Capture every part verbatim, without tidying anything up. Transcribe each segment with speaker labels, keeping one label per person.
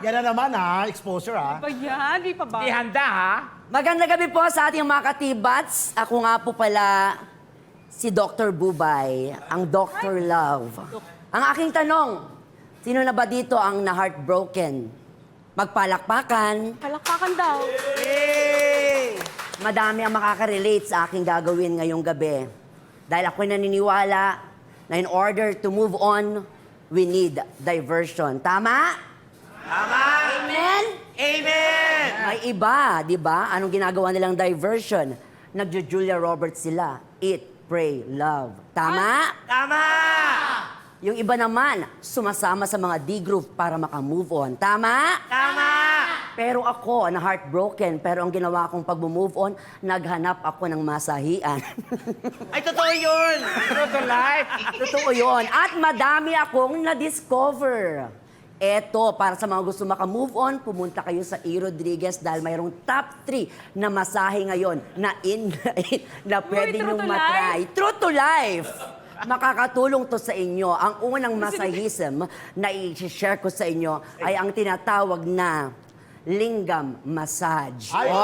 Speaker 1: Yan na naman ha, exposure ha.
Speaker 2: Ba yan? Di pa ba?
Speaker 3: Di handa, ha?
Speaker 4: Magandang gabi po sa ating mga katibats. Ako nga po pala si Doctor Bubay, ang Doctor Love. Ang aking tanong, sino na ba dito ang na-heartbroken? Magpalakpakan.
Speaker 2: Palakpakan daw.
Speaker 3: Hey!
Speaker 4: Madami ang makaka-relate sa aking gagawin ngayong gabi. Dahil ako'y naniniwala na in order to move on, we need diversion. Tama?
Speaker 3: Tama!
Speaker 4: Amen?
Speaker 3: Amen!
Speaker 4: May iba, di ba? Anong ginagawa nilang diversion? Nagjo-Julia Roberts sila. Eat, pray, love. Tama?
Speaker 3: Tama!
Speaker 4: Yung iba naman, sumasama sa mga D-group para makamove on. Tama?
Speaker 3: Tama!
Speaker 4: Pero ako, na heartbroken, pero ang ginawa kong pag-move on, naghanap ako ng masahian.
Speaker 3: Ay, totoo yun! True to life!
Speaker 4: Totoo yun. At madami akong na-discover. Eto, para sa mga gusto makamove on, pumunta kayo sa E. Rodriguez dahil mayroong top three na masahe ngayon na in, na, in, na pwede
Speaker 2: true
Speaker 4: niyong
Speaker 2: to
Speaker 4: matry. True to life! Makakatulong to sa inyo. Ang unang masahism na i-share ko sa inyo ay ang tinatawag na lingam massage.
Speaker 1: Ay!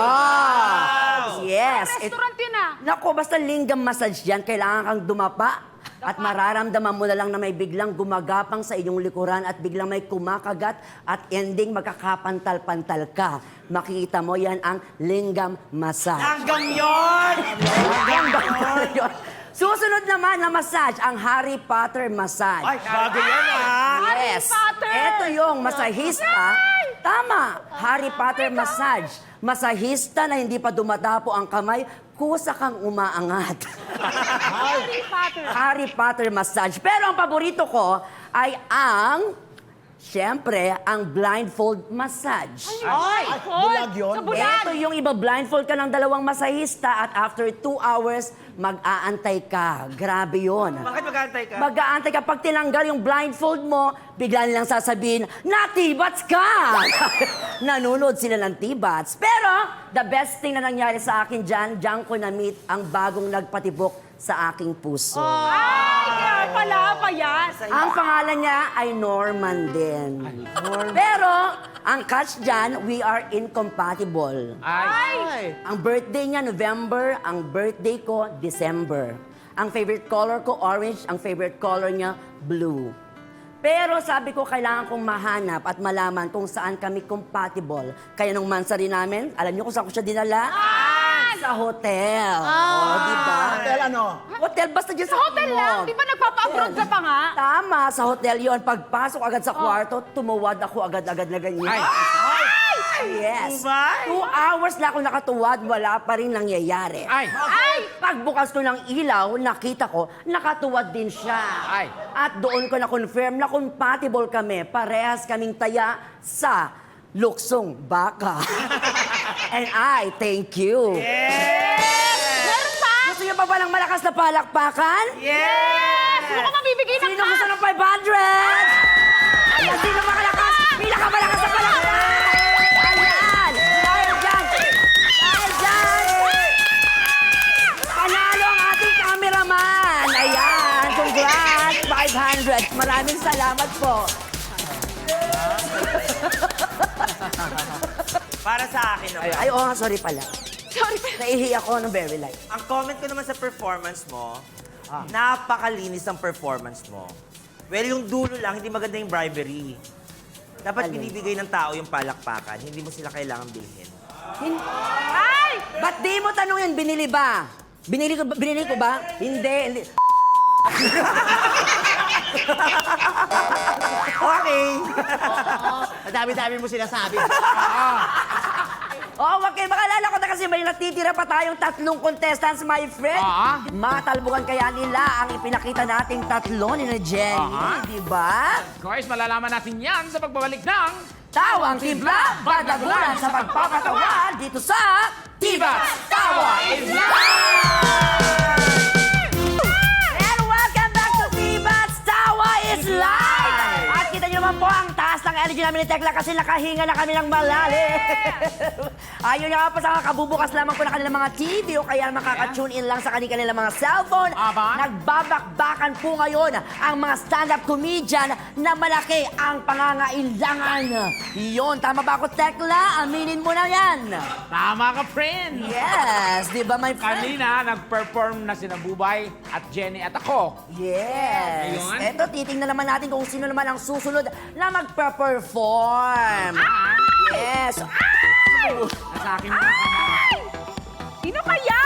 Speaker 4: Wow! Yes! It-
Speaker 2: Restaurant yun ah.
Speaker 4: Nako, basta lingam massage yan, kailangan kang dumapa. At mararamdaman mo na lang na may biglang gumagapang sa iyong likuran at biglang may kumakagat at ending magkakapantal-pantal ka. Makikita mo yan ang lingam massage.
Speaker 3: Hanggang yun!
Speaker 4: Hanggang yun. Susunod naman na massage, ang Harry Potter massage.
Speaker 3: Ay, bago yan, ha?
Speaker 4: Yes.
Speaker 2: Potter!
Speaker 4: Ito yung masahista. Tama. Harry Potter massage. Masahista na hindi pa dumadapo ang kamay, kusa kang umaangat.
Speaker 2: Harry Potter.
Speaker 4: Harry Potter massage. Pero ang paborito ko ay ang, siyempre, ang blindfold massage.
Speaker 2: Ay,
Speaker 1: Ay, bulag yun?
Speaker 2: Sa bulag.
Speaker 4: Ito yung iba, blindfold ka ng dalawang masahista at after two hours, mag-aantay ka. Grabe yun.
Speaker 3: Bakit mag-aantay ka?
Speaker 4: Mag-aantay ka. Pag tinanggal yung blindfold mo, bigla nilang sasabihin, natibats ka! Nanunod sila ng tibats. Pero, the best thing na nangyari sa akin dyan, dyan ko na-meet ang bagong nagpatibok sa aking puso.
Speaker 2: Ay, kaya pala pa yan.
Speaker 4: Ang pangalan niya ay Norman din. Pero, ang catch dyan, we are incompatible.
Speaker 3: Ay!
Speaker 4: Ang birthday niya, November. Ang birthday ko, December. Ang favorite color ko, orange. Ang favorite color niya, blue. Pero sabi ko, kailangan kong mahanap at malaman kung saan kami compatible. Kaya nung mansari namin, alam niyo kung saan ko siya dinala? Sa hotel. Oh, di ba?
Speaker 1: Hotel ano?
Speaker 4: Hotel, basta dyan
Speaker 2: Sa hotel lang. Di ba nagpapa-abroad ka pa nga?
Speaker 4: Tama, sa hotel yon. Pagpasok agad sa kwarto, tumuwad ako agad-agad na ganyan.
Speaker 3: Ay!
Speaker 4: Yes.
Speaker 3: Bubay!
Speaker 4: Two hours na ako nakatuwad, wala pa rin nangyayari.
Speaker 3: Ay!
Speaker 4: Ay! Pagbukas ko ng ilaw, nakita ko, nakatuwad din siya.
Speaker 3: Ay.
Speaker 4: At doon ko na-confirm na compatible kami. Parehas kaming taya sa luksong baka. And I thank you.
Speaker 2: Meron pa?
Speaker 4: Gusto niyo pa ba ng malakas na palakpakan?
Speaker 3: Yes!
Speaker 2: Ano ka mabibigay ng
Speaker 4: Sino gusto ng five hundred? Ayan, sino makalakas? Pinakamalakas na palakpakan! Ayan! Dahil dyan! Dahil dyan! Panalo ang ating cameraman! Ayan! Congrats! five hundred! Maraming salamat po!
Speaker 3: Para sa akin naman.
Speaker 4: Ay, oo nga, sorry pala.
Speaker 2: Sorry.
Speaker 4: Naihi ako ng very light.
Speaker 3: Ang comment ko naman sa performance mo,
Speaker 4: Ah.
Speaker 3: napakalinis ang performance mo. Well, yung dulo lang, hindi maganda yung bribery. Dapat
Speaker 4: Alin?
Speaker 3: binibigay ng tao yung palakpakan, hindi mo sila kailangan bilhin.
Speaker 4: Hin-
Speaker 2: Ay!
Speaker 4: Ba't di mo tanungin, binili ba? Binili ko, ba- binili ko ba? Hindi, hindi.
Speaker 3: Okay!
Speaker 1: Madami-dami mo sinasabi.
Speaker 4: Oh, wag kayo makalala ko na kasi may natitira pa tayong tatlong contestants, my friend.
Speaker 3: Ah.
Speaker 4: Matalbukan kaya nila ang ipinakita nating tatlo ni na Jenny,
Speaker 3: Ah.
Speaker 4: di ba?
Speaker 5: Of course, malalaman natin yan sa pagbabalik ng
Speaker 4: Tawang timpla, badagulan sa pagpapatawa dito sa
Speaker 5: Tibas Tawa is
Speaker 4: And welcome back to Tibas Tawa is Live! At kita niyo naman po ang taas ng energy namin ni Tekla kasi nakahinga na kami ng malalim. Ayun nga pa sa kabubukas lamang po ng kanilang mga T V o kaya makaka-tune in lang sa kanilang mga cellphone.
Speaker 5: Aba.
Speaker 4: Nagbabakbakan po ngayon ang mga stand-up comedian na malaki ang pangangailangan. Yun, tama ba ako, Tekla? Aminin mo na yan.
Speaker 5: Tama ka, friend!
Speaker 4: Yes, di ba, my friend?
Speaker 5: Kanina, nag-perform na sina Bubay at Jenny at ako.
Speaker 4: Yes.
Speaker 5: Ayun.
Speaker 4: Eto, titingnan naman natin kung sino naman ang susunod na magpa-perform. Yes.
Speaker 2: Ay!
Speaker 5: Nasa akin mga kamay.
Speaker 2: Ay! Sino kaya?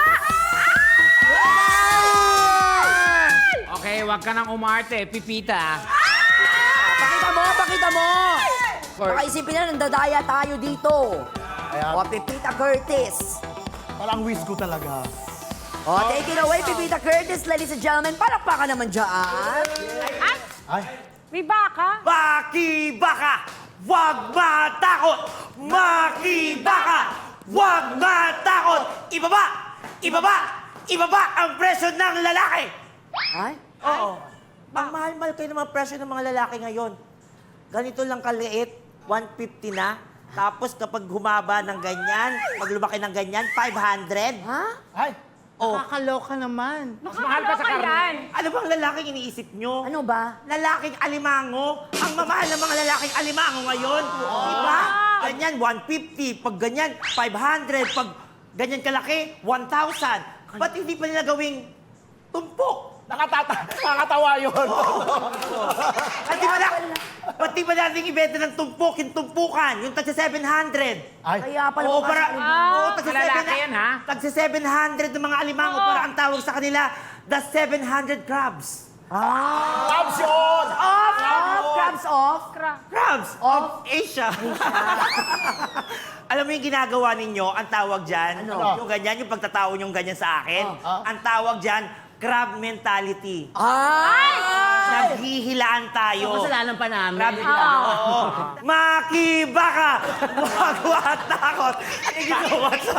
Speaker 5: Okay, wag ka nang umarte, Pipita.
Speaker 4: Pakita mo, pakita mo.
Speaker 5: Or-
Speaker 4: Baka isipin na, nandadaya tayo dito.
Speaker 1: Ayan.
Speaker 4: O, Pipita Curtis.
Speaker 1: Parang whiz ko talaga.
Speaker 4: O, take it away, Pipita Curtis, ladies and gentlemen. Palakpakan naman dyan.
Speaker 2: Ay!
Speaker 1: Ay,
Speaker 2: May baka?
Speaker 3: Makibaka! Huwag matakot! Makibaka! Huwag matakot! Ibaba! Ibaba! Ibaba ang presyo ng lalaki!
Speaker 4: Ay?
Speaker 3: Oo. Ang mahal-mahal kayo ng mga presyo ng mga lalaki ngayon. Ganito lang kaliit, one fifty na. Tapos kapag humaba ng ganyan, pag lumaki ng ganyan, five hundred.
Speaker 4: Ha?
Speaker 1: ay.
Speaker 3: Oh.
Speaker 1: Nakakaloka naman.
Speaker 5: Mas mahal pa sa karne.
Speaker 2: Yan.
Speaker 3: Ano bang lalaking iniisip nyo?
Speaker 4: Ano ba?
Speaker 3: Lalaking alimango. Ang mamahal ng mga lalaking alimango ngayon. Diba? Ganyan, one fifty. Pag ganyan, five hundred. Pag ganyan kalaki, one thousand. Ba't hindi pa nila gawing tumpok?
Speaker 1: Nakatata, nakakatawa yun.
Speaker 3: At di ba na, ba't di ba natin ibenta ng tumpok, yung tumpukan, yung tagsa seven hundred?
Speaker 1: Ay,
Speaker 4: Kaya pala
Speaker 3: Oo,
Speaker 4: mukha
Speaker 3: para,
Speaker 4: sa-
Speaker 3: oo, tagsa
Speaker 5: Malalaki
Speaker 3: seven,
Speaker 5: yan, ha?
Speaker 3: tagsa seven hundred ng mga alimango, para ang tawag sa kanila, the seven hundred crabs.
Speaker 1: Crabs yun!
Speaker 4: Off, off, crabs off.
Speaker 3: Crabs of Asia. Alam mo yung ginagawa ninyo, ang tawag dyan,
Speaker 4: Ano?
Speaker 3: yung ganyan, yung pagtatawa yung ganyan sa akin, ang tawag dyan, crab mentality.
Speaker 4: Ay!
Speaker 3: Naghihilaan tayo.
Speaker 1: Kasalanan pa namin.
Speaker 3: Crab Oo. Makibaka! Huwag matakot! Ano ginawa sa...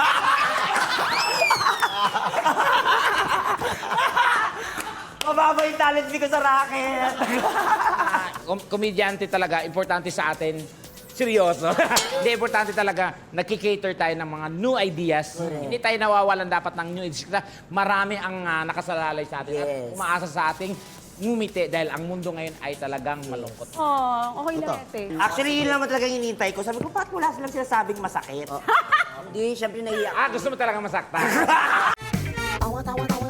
Speaker 3: Mababa yung talent fee ko sa racket.
Speaker 5: Kom- komedyante talaga, importante sa atin. Seryoso. Hindi, importante talaga, nagkikater tayo ng mga new ideas. Hindi tayo nawawalan dapat ng new ideas. Kasi marami ang ah, nakasalalay sa atin at
Speaker 4: Yes.
Speaker 5: umaasa sa ating ngumiti dahil ang mundo ngayon ay talagang malungkot.
Speaker 2: Oh, okay na ito eh.
Speaker 3: Actually, yun naman talaga yung hinihintay ko. Sabi ko, bakit wala silang sinasabing masakit?
Speaker 4: Hindi, syempre naiiyak.
Speaker 5: Ah, gusto mo talaga masaktan?
Speaker 4: Awat, awat, awat.